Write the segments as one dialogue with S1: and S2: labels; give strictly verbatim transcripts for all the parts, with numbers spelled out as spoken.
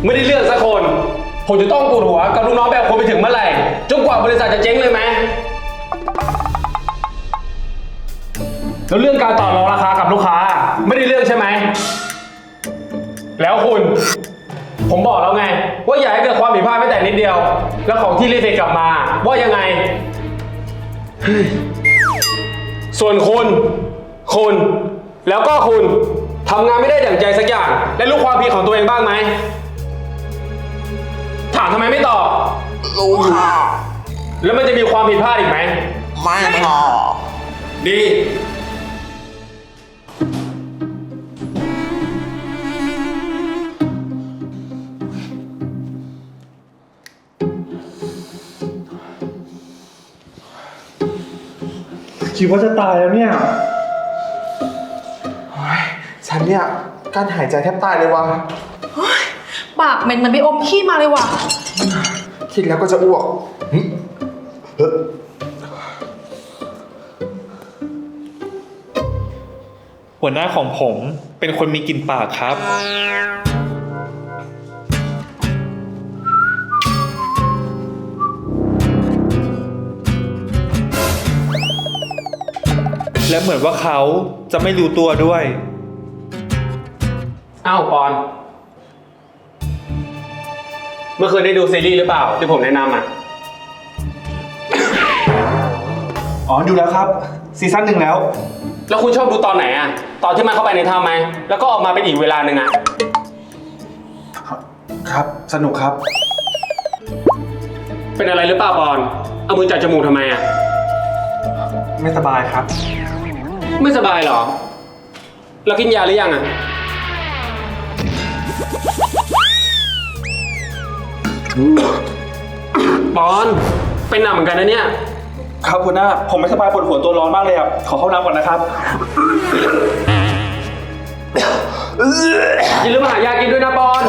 S1: ไม่ได้เลือกสักคน ผมจะต้องปวดหัวกับลูกน้องแบบคนไปถึงเมื่อไหร่จนกว่าบริษัทจะเจ๊งเลยไหมแล้วเรื่องการต่อรองราคากับลูกค้าไม่ได้เรื่องใช่ไหมแล้วคุณผมบอกแล้วไงว่าอย่าให้เกิดความผิดพลาดแม้แต่นิดเดียวแล้วของที่รีเฟกกลับมาว่ายังไงส่วนคุณคุณแล้วก็คุณทำงานไม่ได้อย่างใจสักอย่างและรู้ความผิดของตัวเองบ้างไหมถามทำไมไม่ตอบ
S2: รู้ค่ะ
S1: แล้วมันจะมีความผิดพลาดอีกไหม
S2: ไม่ค่ะ
S1: ดี
S3: คิดว่าจะตายแล้วเนี่ย
S2: ฉันเนี่ยการหายใจแทบตายเลยวะ
S4: ปากเหม็นเหมือนไปอมขี้มาเลยว่ะ
S2: คิดแล้วก็จะอ้วกเฮ้
S3: หัวหน้าของผมเป็นคนมีกลิ่นปากครับและเหมือนว่าเขาจะไม่รู้ตัวด้วย
S1: อ้าวปอนเมื่อคืนได้ดูซีรีส์หรือเปล่าที่ผมแนะนำอ่ะ
S3: อ๋อดูแล้วครับซีซั่นหนึ่งแล้ว
S1: แล้วคุณชอบดูตอนไหนอ่ะตอนที่มันเข้าไปในถ้ำไหมแล้วก็ออกมาเป็นอีกเวลาหนึ่งอ่ะ
S3: ครับสนุกครับ
S1: เป็นอะไรหรือเปล่าปอนเอามือจับจมูกทำไมอ่ะ
S3: ไม่สบายครับ
S1: ไม่สบายเหรอเรากินยาหรือยังอ่ะปอนเป็นหนักเหมือนกันนะเนี่ย
S3: ครับคุณหน้าผมไม่สบายปวดหัวตัวร้อนมากเลยครับขอเข้าน้ำก่อนนะครับ
S1: อย่าลืมมาหายากินด้วยนะปอน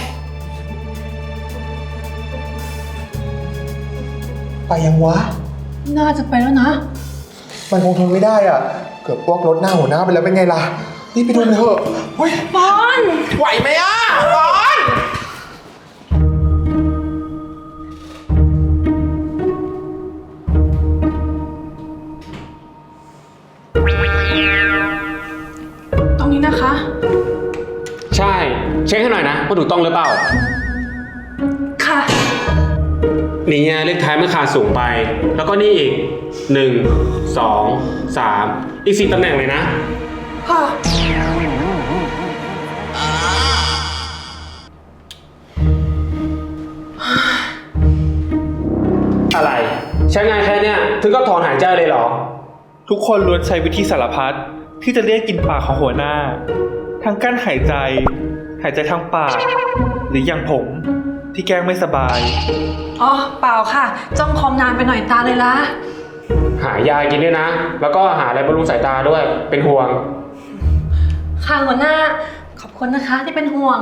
S2: ไปยังวะ
S4: น่าจะไปแล้วนะ
S2: มันคงทนไม่ได้อ่ะเกือบพวกรถหน้าหัวหน้าไปแล้วเป็นไงล่ะนี่ไปดูมันเถอะเฮ้ย
S4: ปอน
S2: ไหวไหมอ่ะปอน
S4: ตรงนี้นะคะ
S1: ใช่เช็คให้หน่อยนะว่าถูกต้องหรือเปล่า
S4: ค่ะ
S1: นี่ไงเลขท้ายมันขาดสูงไปแล้วก็นี่อีกหนึ่งสองสามอีกสี่ตำแหน่งเลยนะ
S4: ค่ะ
S1: อะไรใช้งานแค่เนี้ยถึงก็ถอนหายใจเลยเหรอ
S3: ทุกคนล้วนใช้วิธีสารพัดที่จะเรียกกลิ่นปากของหัวหน้าทั้งกั้นหายใจหายใจทางปากหรืออย่างผมที่แกล้งไม่สบาย
S4: อ๋อเปล่าค่ะจ้องคอมนานไปหน่อยตาเลยละ
S1: หายากินด้วยนะแล้วก็หาอะไรบำรุงสายตาด้วยเป็นห่วง
S4: ค่ะหัวหน้าขอบคุณนะคะที่เป็นห่วง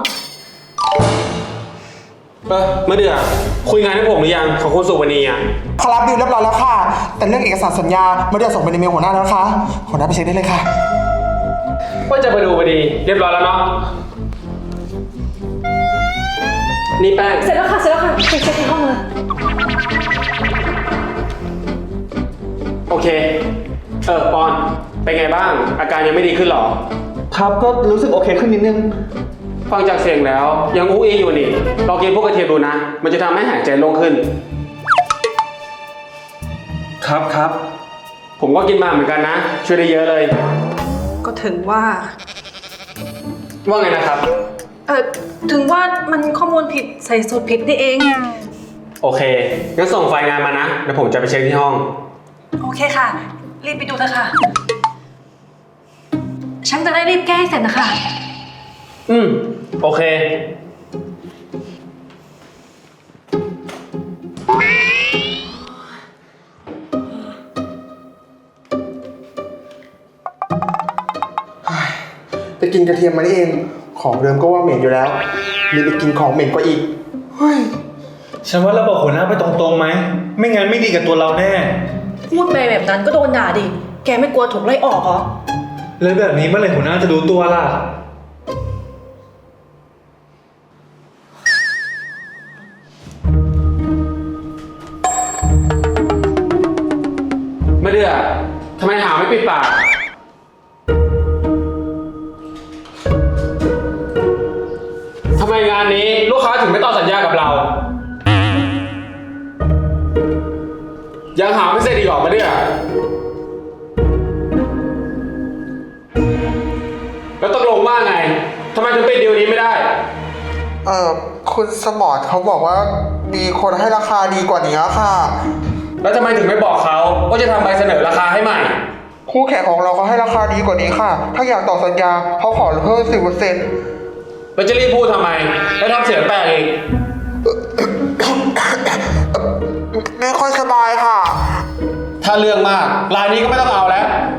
S1: เออเมื่อเดือคุยงานให้ผมหรือยังของคุณสุวรรณีอ่ะ
S2: ขอรับดิวเรียบร้อยแล้วค่ะแต่เรื่องเอกสารสัญญาเมื่อเดือส่งไปในเมลหัวหน้าแล้วนะคะหัวหน้าไปเช็คได้เลยค่ะ
S1: ว่าจะไปดูพอดีเรียบร้อยแล้วเนาะนี่แป้ง
S4: เสร็จแล้วค่ะเสร็จแล้วค่ะไปเช็คที่ห้องเลย
S1: โอเคเออปอนเป็นไงบ้างอาการยังไม่ดีขึ้นหรอ
S3: ครับก็รู้สึกโอเคขึ้นนิดนึง
S1: ฟังจากเสียงแล้วยังอู้อีอยู่นี่ลองกินพวกกระเทียมดูนะมันจะทำให้หายใจโล่งขึ้น
S3: ครับครับ
S1: ผมก็กินมาเหมือนกันนะช่วยได้เยอะเลย
S4: ก็ถึงว่า
S1: ว่าไงนะครับ
S4: เออถึงว่ามันข้อมูลผิดใส่สูตรผิดนี่เอง
S1: โอเคงั้นส่งไฟล์งานมานะเดี๋ยวผมจะไปเช็คที่ห้อง
S4: โอเคค่ะรีบไปดูเถอะค่ะฉันจะได้รีบแก้ให้เสร็จนะคะ
S1: อืมโอเค
S2: ไปกินกระเทียมมานี่เองของเดิมก็ว่าเหม็นอยู่แล้วมีไปกินของเหม็นกว่าอีกเฮ้ย
S3: ฉันว่าเราบอกหัวหน้าไปตรงๆไหมไม่งั้นไม่ดีกับตัวเราแน่
S4: พูดไปแบบนั้นก็โดนด่าดิแกไม่กลัวถูกไล่ออกเหรอ
S3: เลยแบบนี้เมื่อไหร่หัวหน้าจะรู้ตัวล่ะ
S1: ทำไมหาไม่ปิดปากทำไมงานนี้ลูกค้าถึงไม่ต่อสัญญากับเรา ยังหาไม่เสร็จอีกหรอมาเนี่ยแล้วตกลงว่าไงทำไมถึงปิดดีลนี้ไม่ได้
S2: เอ่อคุณสมรเขาบอกว่ามีคนให้ราคาดีกว่านี้ค่ะ
S1: แล้วทำไมถึงไม่บอกเขาว่าจะทำใบเสนอราคาให้ใหม่
S2: คู่แข่งของเราเขาให้ราคาดีกว่านี้ค่ะ ถ้าอยากต่อสัญญาเขาขอเพิ่มสิบเปอร์เซ็นต์
S1: แล้วจะรีบพูดทำไม แล้วทำเสียงแปลกอีก
S2: ไม่ค่อยสบายค่ะ
S1: ถ้าเรื่องมากรายนี้ก็ไม่ต้องเอาแล้ว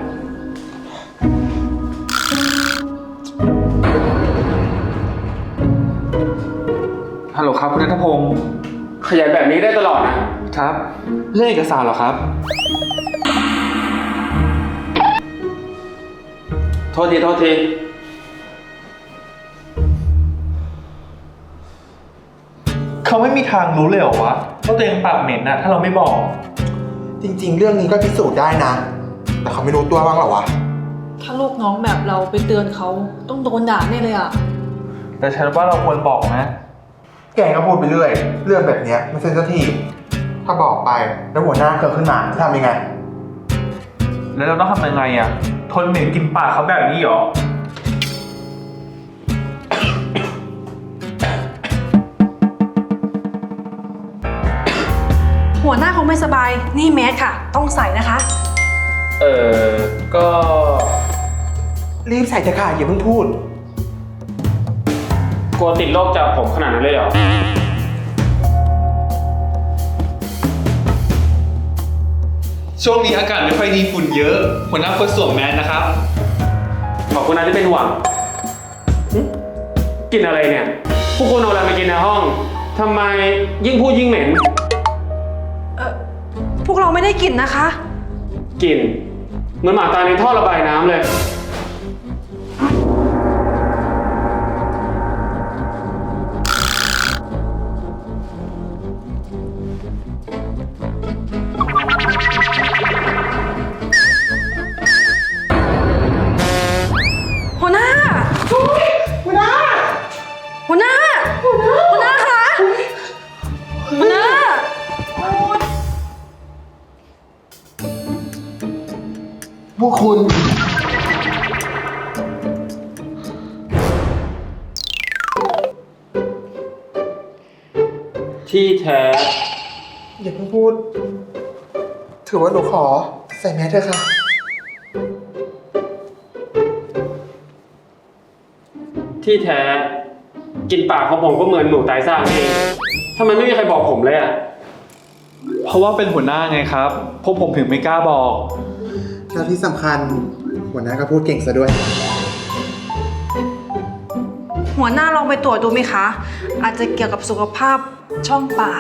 S3: ฮัลโหลครับคุณนัทพงศ์
S1: ขยันแบบนี้ได้ตลอดนะ
S3: ครับ เรื่องเอกสารเหรอครับ
S1: โทษที โทษที
S3: เขาไม่มีทางรู้เลยเหรอวะว่าตัวเองปากเหม็นนะถ้าเราไม่บอก
S2: จริงๆ เรื่องนี้ก็พิสูจน์ได้นะ แต่เขาไม่รู้ตัวบ้างเหรอวะ
S4: ถ้าลูกน้องแบบเราไปเตือนเขาต้องโดนด่าแน่เลยอ่ะ
S3: แต่ฉันว่าเราควรบอกนะ
S2: แกก็พูดไปเรื่อย เรื่องแบบเนี้ยไม่เซนซิทีฟถ้าบอกไปแล้วหัวหน้าเกิดขึ้นมาจะทำยังไง
S3: แล้วเราต้องทำยังไงอ่ะ ทนเหม็นกลินปากเขาแบบนี้เหรอ
S4: หัวหน้าคงไม่สบาย นี่แมสค่ะ ต้องใส่นะคะ
S1: เออก็
S2: รีบใส่เถอะค่ะอย่าเพิ่งพูด
S1: กลัวติดโรคจากผมขนาดนั้นเลยเหรอ
S3: ช่วงนี้อากาศไม่ค่อยดีฝุ่นเยอะ หัวหน้าควรสวมแมสนะครับ
S1: ขอบคุณนะที่เป็นห่วงหึกินอะไรเนี่ย พวกคุณเอาอะไรมากินในห้อง ทำไมยิ่งพูดยิ่งเหม็น
S4: เออพวกเราไม่ได้กลิ่นนะคะ
S1: กลิ่นเหมือนหมาตายในท่อระบายน้ำเลย
S4: หัวหน้า หัวหน้า หัวหน้า หัวหน้าคะหัวหน้า
S2: พวกคุณ
S1: ที่แท้
S2: อย่าเพิ่งพูด ถือว่าหนูขอใส่แมสเถอะค่ะ
S1: ที่แท้ กินปากของผมก็เหมือนหนูตายซ่างเองทำไมไม่มีใครบอกผมเลยอ่ะ
S3: เพราะว่าเป็นหัวหน้าไงครับ พวกผมถึงไม่กล้าบอก
S2: แล้วที่สำคัญหัวหน้าก็พูดเก่งซะด้วย
S4: หัวหน้าลองไปตรวจดูไหมคะ อาจจะเกี่ยวกับสุขภาพช่องปาก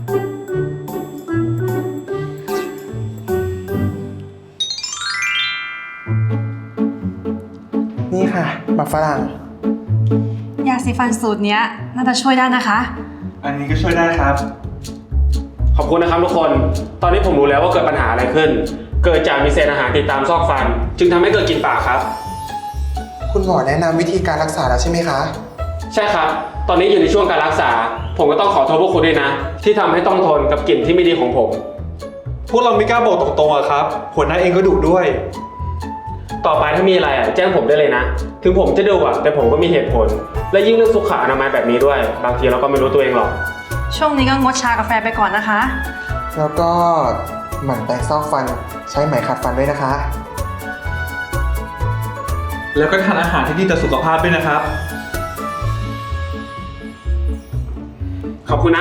S2: นี่ค่ะหมักฝรั่ง
S4: ยาสีฟันสูตรเนี้ยน่าจะช่วยได้นะคะ
S3: อันนี้ก็ช่วยได้ครับ
S1: ขอบคุณนะครับทุกคน ตอนนี้ผมรู้แล้วว่าเกิดปัญหาอะไรขึ้น เกิดจากมีเศษอาหารติดตามซอกฟัน จึงทำให้เกิดกลิ่นปากครับ
S2: คุณหมอแนะนำวิธีการรักษาแล้วใช่ไหมคะ
S1: ใช่ครับ ตอนนี้อยู่ในช่วงการรักษา ผมก็ต้องขอโทษพวกคุณด้วยนะ ที่ทำให้ต้องทนกับกลิ่นที่ไม่ดีของผม
S3: พวกเราไม่กล้าบอกตรงๆอะครับ หัวหน้าเองก็ดุด้วย
S1: ต่อไปถ้ามีอะไรอ่ะแจ้งผมได้เลยนะ ถึงผมจะดุอ่ะแต่ผมก็มีเหตุผล และยิ่งเรื่องสุขอนามัยแบบนี้ด้วย บางทีเราก็ไม่รู้ตัวเองหรอก
S4: ช่วงนี้ก็งดชากาแฟไปก่อนนะคะ
S2: แล้วก็หมั่นแปรงซอกฟันใช้ไหมขัดฟันด้วยนะคะ
S3: แล้วก็ทานอาหารที่ดีต่อสุขภาพด้วยนะครับ
S1: ขอบคุณนะ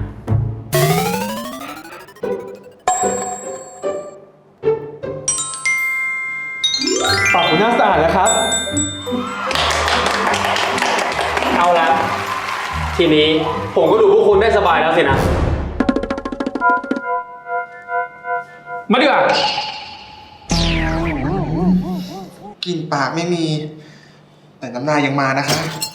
S3: ปากหัวหน้าสะอาดแล้วครับ
S1: เอาละทีนี้ผมก็ดูพวกคุณได้สบายแล้วสินะ มาดีกว่า
S2: กลิ่นปากไม่มี แต่น้ำลายยังมานะคะ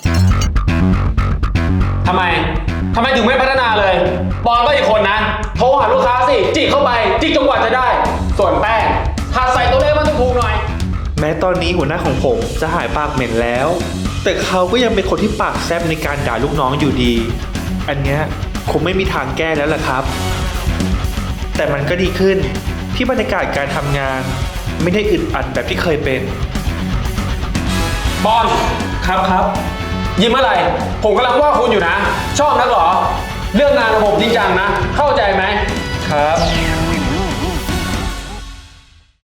S1: ทำไม ทำไมถึงไม่พัฒนาเลย บอลก็อีกคนนะ โทรหาลูกค้าสิ จิกเข้าไป จิกจนกว่าจะได้ ส่วนแป้งหัดใส่ตัวเลขมันถูกๆหน่อย
S3: แม้ตอนนี้หัวหน้าของผมจะหายปากเหม็นแล้ว แต่เขาก็ยังเป็นคนที่ปากแซบในการด่าลูกน้องอยู่ดี อันเนี้ยคงไม่มีทางแก้แล้วล่ะครับ แต่มันก็ดีขึ้นที่บรรยากาศการทำงาน ไม่ได้อึดอัดแบบที่เคยเป็น
S1: บอล
S3: ครับครับ
S1: ยิ้มอะไร ผมกำลังว่าคุณอยู่นะ ชอบนักเหรอ เรื่องงานระบบจริงจังนะ เข้าใจไหม
S3: ครับ